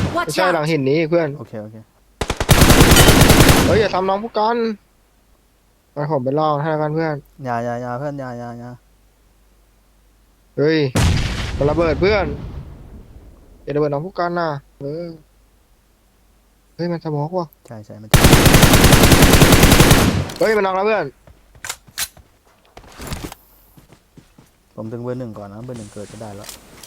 ไม่ Watch ใช่หลัง out! หินนี้เพื่อนโอเคโอเคเฮ้ยอย่าทำน้องผู้กันไปผมไปลองให้แล้วกันเพื่อนอย่าเพื่อนอย่าเฮ้ยมันระเบิดเพื่อนอย่าระเบิดน้องผู้กันนะเออเฮ้ยมันสโมกว่ะใช่มันเฮ้ยมันนังแล้วเพื่อนผมดึงเบอร์หนึ่งก่อนนะเบอร์หนึ่งเกิดก็ได้แล้ว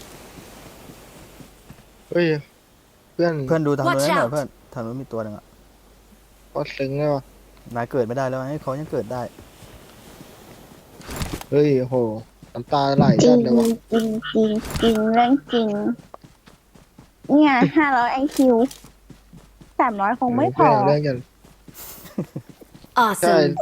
เฮ้ยเพื่อนเพื่อนดูทางนู้น Watch หน่อย out เพื่อนทางนู้นมีตัวหนึ่งอะก็ซึ้งเลยว่ะนายเกิดไม่ได้แล้วให้เขายังเกิดได้เฮ้ยโหน้ำตาไหลจริจังดเลยว่ะจริงจริงจริงเรื่องจริง เนี่ย500 IQ 300 คงไม่พอเรื่องกันใช่ Awesome!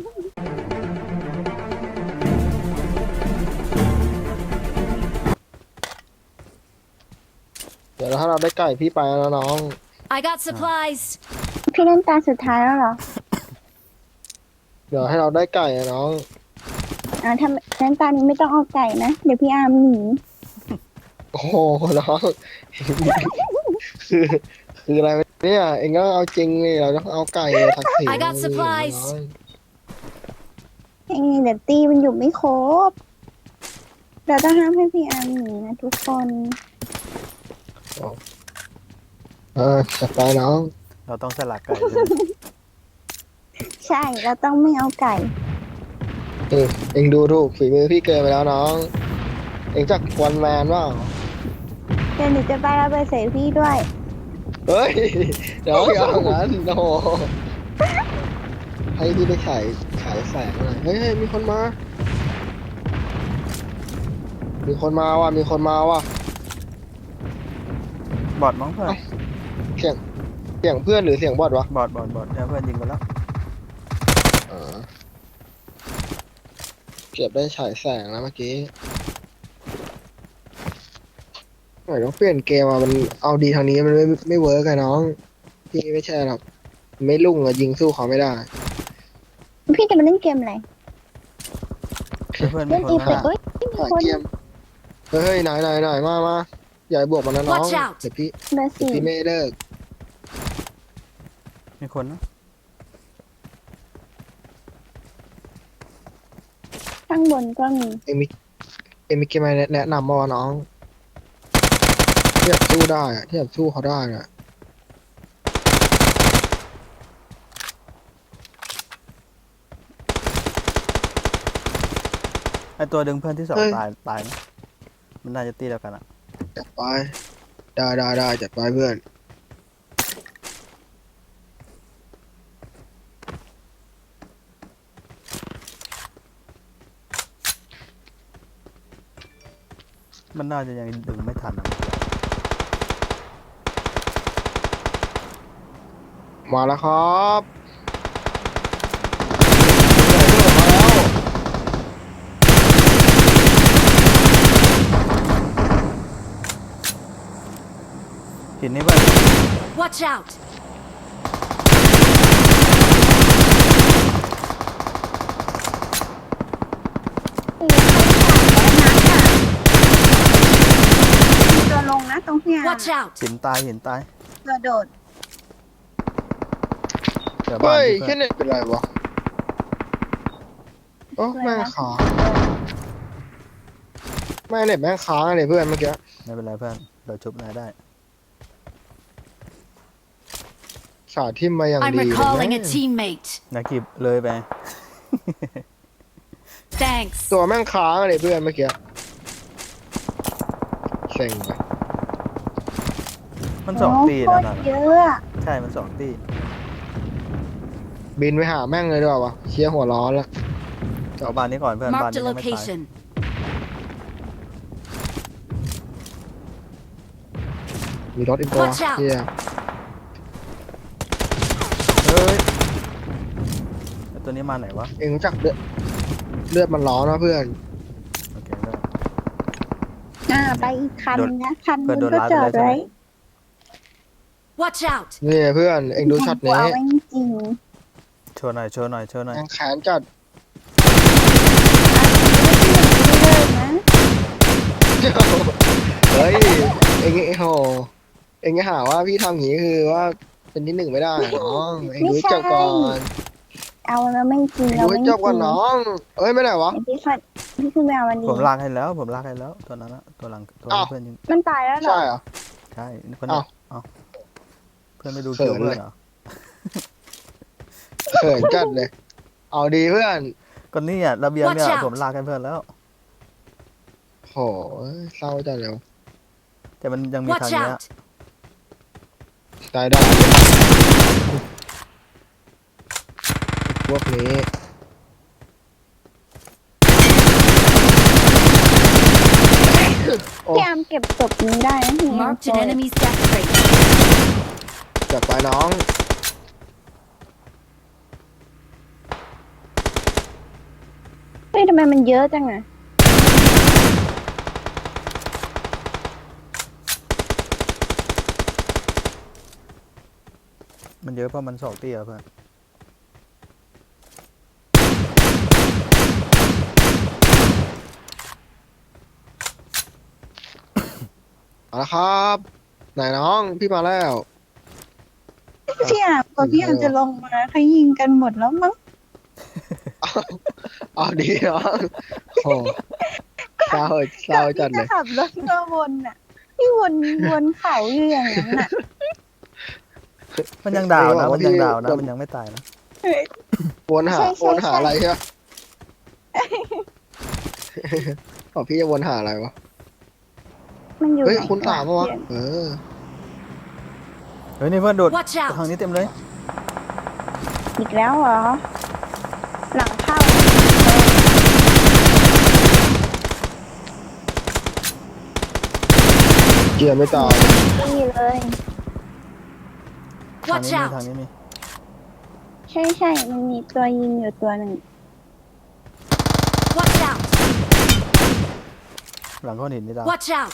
เดี๋ยวถ้าเราได้ไก่พี่ไปแล้วน้อง I got supplies! พี่เล่นตาสุดท้ายแล้วเหรอเดี๋ยวให้เราได้ไก่อะน้องถ้าเล่นตานี้ไม่ต้องเอาไก่นะ เดี๋ยวพี่อาร์มหนีโอ้โหน้อง คือคืออะไรเนี่ยเองก็เอาจริงเลยเราต้องเอาไก่ทักษิณ I got supplies น้องเองเดี๋ยวตีมันอยู่ไม่ครบ เราต้องห้ามให้พี่อาร์มหนีนะทุกคนจัดไปน้องเราต้องสลักไก่ใช่ไหมใช่ เราต้องไม่เอาไก่เองดูถูกฝีมือพี่เกินไปแล้วน้อง เองจักวันแมนว่าเดี๋ยวหนูจะไประเบิดใส่พี่ด้วยเฮ้ยน้องอย่าเอางั้นโอ้โหให้พี่ได้ฉายแสงหน่อยเฮ้ยมีคนมา มีคนมาว่ะมีคนมาว่ะบอดมั้งเพื่อนเสียงเพื่อนหรือเสียงบอทวะบอดเนี่ยเพื่อนยิงไปแล้วเก็บได้ฉายแสงแล้วเมื่อกี้หน่อยต้องเปลี่ยนเกมอ่ะมันเอาดีทางนี้มันไม่เวิร์กอะน้องพี่ไม่ใช่หรอกไม่ลุ่งอะยิงสู้เขาไม่ได้พี่จะมาเล่นเกมอะไรเพื่อนมีเล่นคนอีมาเฟกเอ้ยมีต่อยคนเกมเฮ้ยไหนมาอย่าให้บวกมันนะน้อง Watch out เดี๋ยวพี่เบอร์สี่ไม่เลิกมีคนนะข้างบนก็มีเอ็มมีเกมอะไรแนะนำมาวะน้องที่แบบสู้ได้อะที่แบบสู้เขาได้อะไอตัวดึงเพื่อนที่สองตายนะมันน่าจะตีแล้วกันอะจัดไปได้จัดไปเพื่อนมันน่าจะยังดึงไม่ทันอะมาแล้วครับหินนี่เพื่อน Watch out! มีตัวลงนะตรงพี่อาร์ม Watch out! หินตายตัวโดดเดี๋ยวบ้านเฮ้ยเพื่แค่อนเน็ตเป็นไรวะโอ้แม่งค้างแม่งเน็ตแม่งค้างเลยเพื่อนเมื่อกี้ไม่เป็นไรเพื่อนเราชุบนายได้สาทิมมาอย่าง I'm ดีเลย recalling a นะ teammate. นากิบเลยไป Thanks. ตัวแม่งค้างเลยเพื่อนเมื่อกี้เซ็งไปมันสองตีโคนะตรนะเยอะอะใช่มันสองตีบินไปหาแม่งเลยดีกว่าวะเชียร์หัวร้อนละเอาบ้านนี้ก่อนเพื่อนบ้าน Marked นี้ a ยังไม่ตาย location. มีรถอีกตัว Watch out เชียเฮ้ยไอ้ตัวนี้มาไหนวะเองรู้จักเลือดมันร้อนนะเพื่อนโอเคเพื่อนไปอีกคันนะคันเพื่นึอนงโดนก็รัดจอไปดเลยใช่ไหมไว้ Watch out! นี่เพื่อนเองดูช็อตหันี้วไว้จริงโชว์หน่อยแม่งแขนจัดเลยนะเฮ้ยเองโหเองจะหาว่าพี่ทำอย่างนี้คือว่าเป็นที่หนึ่งไม่ได้อะน้องเองไม่ดูให้ใช่จบก่อนเอาแล้วไม่จริงเองเราดูให้ไม่จจบก่อนริงน้องเอ้ยไม่ได้วะไอ้พี่ขึ้นไปเอามันดีผมลากให้แล้ว ผมลากให้แล้วตัวนั้นอะตัวหลังตัวอ้าวที่เพื่อนยิงมันตายแล้วเหรอใช่เหรอใช่เพื่อนเนี่ยอ้าวเอ้าเพื่อนไม่ดูเขิคิวน เพื่อนเลยเหรอเขินจัดเลย เอาดีเพื่อนก็นี่อ่ะระเบียงเนี่ย Watch out ผมลากให้เพื่อนแล้วโหเศร้าจัดเลยวะแต่มันยังมีทาง Watch เนี้ย out! ตายได้พวกนี้โอ้พี่อามเก็บศพนี้ได้นะพี่ Marked an enemy's death rate. จัดไปน้องเฮ้ยทำไมมันเยอะจังอะมันเยอะเพราะมันสองเตี้ยเพื่อนเอาละครับ ไหนน้องพี่มาแล้วพี่อามพอพี่อามจะลงมาเขายิงกันหมดแล้วมั้งเอาดีน้องโหเศร้าเศร้าจัดเลยจะขับรถมาวนอ่ะพี่วนเขาอยู่อย่างนั้นน่ะมันยังดาวนะเออมันยังดาวนะพี่มันยังไม่ตายนะวนหาใช่วนหาใช่อะไรใช่ไหม บอกพี่จะวนหาอะไรวะมันอยู่เฮ้ยไหนคุณสามปะวะเดี๋ยเฮ้ยนี่เพื่อนโดด Watch ทาง out! นี้เต็มเลยอีกแล้วเหรอ หลังเข้าเกียร์ไม่ตายนี่เลยทาง Watch นี้มี out! ทางนี้มีใช่ มันมีตัวยิงอยู่ตัวหนึ่ง Watch out! หลังก้อนหินนี่ดาว Watch out!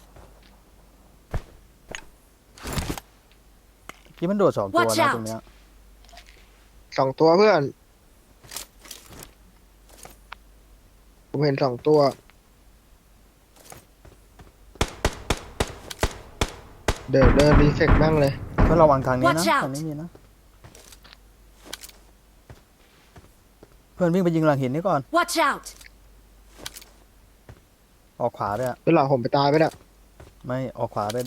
ที่มันโดดสองตัว Watch นะ out ตรงเนี้ย 2 ตัวเพื่อน ผมเห็น2 ตัว เดินรีเฟกแม่งเลยเพื่อนระวังทางนี้นะ Watch out ทางนี้มีนะ เพื่อนวิ่งไปยิงหลังหินนี่ก่อน Watch out! ออกขวาด้วยอะแล้วหลังผมไปตายไปเนี่ยไม่ออกขวาด้วย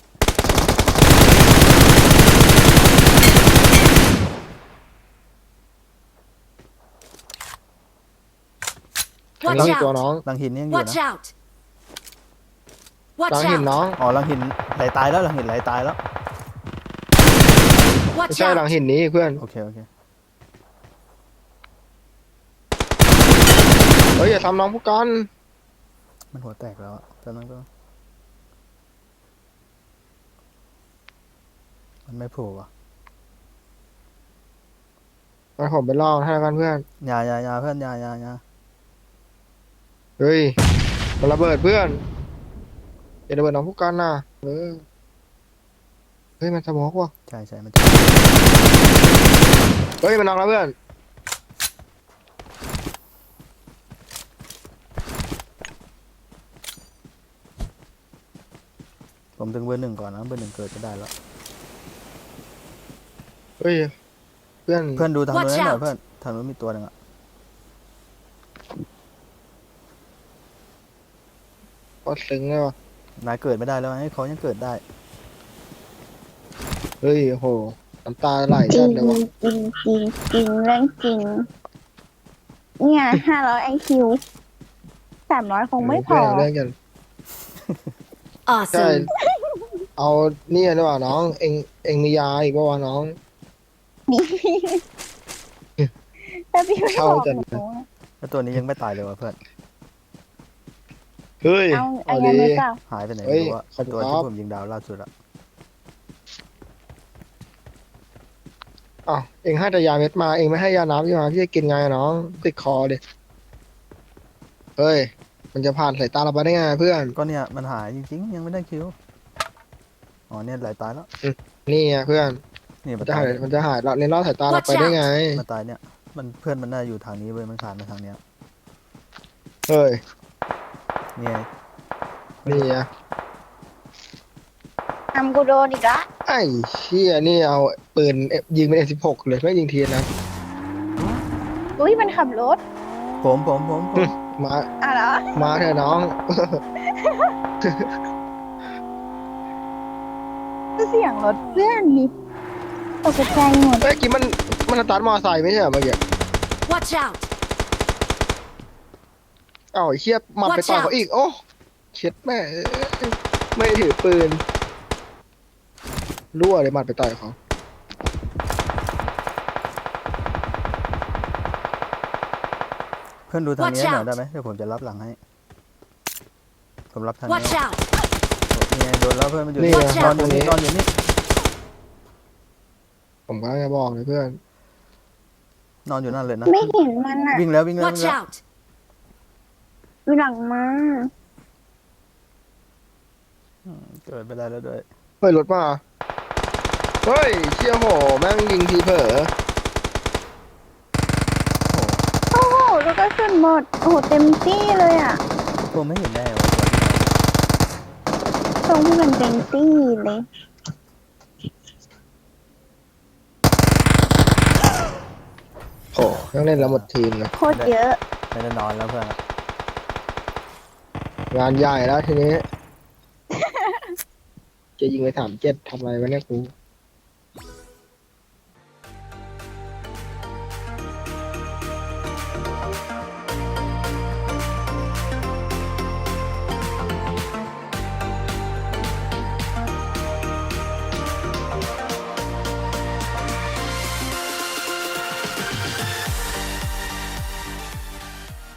ทาง Watch นี้มีตัว out! น้องหลังหินนี่ยังอยู่ Watch นะ out! หลั Watch งหิน out! น้องอ๋อหลังหินไหลตายแล้วหลังหินไหลตายแล้วไม่ Watch ใช่หลัง out! หินนี้เพื่อนโอเคโอเคเฮ้ยอย่าทำน้องผู้กันมันหัวแตกแล้วอะตอนนั้นก็ มันไม่โผล่อะมาผมไปลองให้แล้วกันเพื่อนอย่าเพื่อนอย่าเฮ้ยมันระเบิดเพื่อนอย่าระเบิดน้องผู้กันนะเฮ้ยมันสมองว่ะใช่มันจะเฮ้ยมันน็อกแล้วเพื่อนผมถึงเบอร์หนึ่งก่อนนะเบอร์หนึ่งเกิดก็ได้แล้วเฮ้ยเพื่อนเพื่อนดูทางนู้น Watch หน่อย out เพื่อนทางนู้นมีตัวหนึ่งอะก็ซึ้งเลยว่ะนายเกิดไม่ได้แล้วให้เขายังเกิดได้เฮ้ยโหน้ำตาไหลจริจังดเลยว่ะจริงเรื่องจริง เนี่ย500 IQ 300 คงไม่พอเรื่องกันใช่ Awesome! เอาเนี่ยดีกว่าน้องเองมียาอีกว่าวะน้องมีแต่พี่ไม่เข้าบอกจัดหนูอะแล้วตัวนี้ยังไม่ตายเลยวะเพื่อนเฮ้ยเอาเอายัดีงไงเปล่าหายไปไหนเฮ้ไม่ยรู้อะขอบคุณตัวครัที่บผมยิงดาวล่าสุดอะอ้าวเองให้แต่ยาเม็ดมาเองไม่ให้ยาน้ำพี่มาพี่จะกินไงอะน้องติดคอดิเฮ้ยมันจะผ่านสายตาเราไปได้ไงเพื่อนก็เนี่ยมันหายจริงๆยังไม่ได้คิวอ๋อเนี่ยไหลตายแล้วนี่ไงเพื่อนนี่มัมัน นจะตาหาย ยมันจะหายเลนรอดสายตาเราไปได้ไงมันตายเนี่ยมันเพื่อนมันน่าอยู่ทางนี้เว้ยมันขาดมาทางเนี้ยเฮ้ยเนี่ยนี่ไงทำกูโดนอีกละไอ้เชี่ยนี่เอาปืนยิงเป็นM16เลยไม่ยิงทีนะอุ้ยมันขับรถผมมาอ่ะเหรอมาเถอะน้องเสียงรถเพื่อนนี่ตกใจหมดเมื่อกี้มันสตาร์ทมอไซค์ไม่ใช่เหรอเมื่อกี้ Watch out! เอ้าไอ้เชี่ยมันไปต่อยเขาอีกโอ้เช็ดแม่เอ้ยไม่ได้ถือปืนรั่วเลยมันไปต่อยเขาเพื่อนดูทางนี้ Watch หน่อย out ได้ไหมเดี๋ยวผมจะรับหลังให้ ผมรับทางนี้ Watch out! นี่ไงโดนแล้วเพื่อนมันอยู่นี่นี่ไง Watch นอ out นอยู่นี่นอนอยู่นี่ผมก็จะบอกเลยเพื่อนนอนอยู่นั่นเลยนะไม่เห็นมันอ่ะวิ่งแล้ววิ่งแล้ว Watch out! อยู่หลังมาเกิดไปได้แล้วด้วยเฮ้ยรถมาเฮ้ยเชี่ยโหแม่งยิงทีเผลอโอ้โหแล้วก็ขึ้นหมดโอ้โหเต็มที่เลยอ่ะผมไม่เห็นแน่ว่าตรงที่มันเต็มที่เลยโอ้ยังเล่นแล้วหมดทีมเลยโคตรเยอะไม่ได้นอนแล้วเพื่อนงานใหญ่แล้วทีนี้ จะยิงไป37ทำอะไรวะเนี่ยกู